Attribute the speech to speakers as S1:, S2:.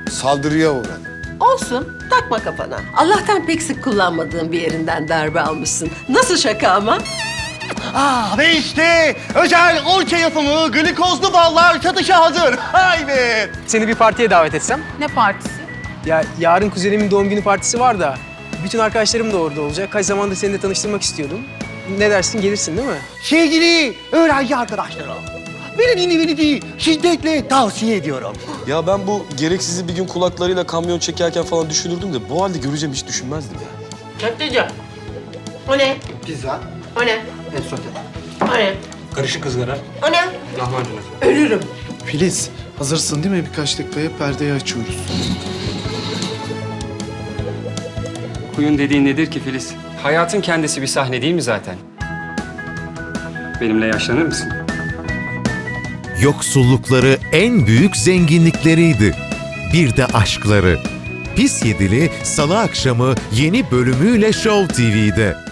S1: Saldırıya uğradı.
S2: Olsun, takma kafana. Allah'tan pek sık kullanmadığın bir yerinden darbe almışsın. Nasıl şaka ama?
S3: Ve işte özel orça yapımı glikozlu ballar satışa hazır. Haydi.
S4: Seni bir partiye davet etsem?
S5: Ne partisi?
S4: Ya yarın kuzenimin doğum günü partisi var da bütün arkadaşlarım da orada olacak. Kaç zamandır seninle tanıştırmak istiyordum. Ne dersin, gelirsin değil mi?
S3: Sevgili öğrenci arkadaşlarım, beni dinlemenizi şiddetle tavsiye ediyorum.
S6: Ya ben bu gereksizi bir gün kulaklarıyla kamyon çekerken falan düşünürdüm de bu halde göreceğim hiç düşünmezdim ya.
S2: Köfteci. O ne?
S7: Pizza,
S2: O ne?
S7: et sote,
S2: O ne?
S7: karışık ızgara,
S2: O ne?
S7: lahmacun.
S2: Ölürüm.
S8: Filiz, hazırsın değil mi? Birkaç dakikaya perdeyi açıyoruz.
S9: Huyun dediğin nedir ki Filiz? Hayatın kendisi bir sahne değil mi zaten? Benimle yaşlanır mısın?
S10: Yoksullukları en büyük zenginlikleriydi. Bir de aşkları. Pis Yedili Salı akşamı yeni bölümüyle Show TV'de.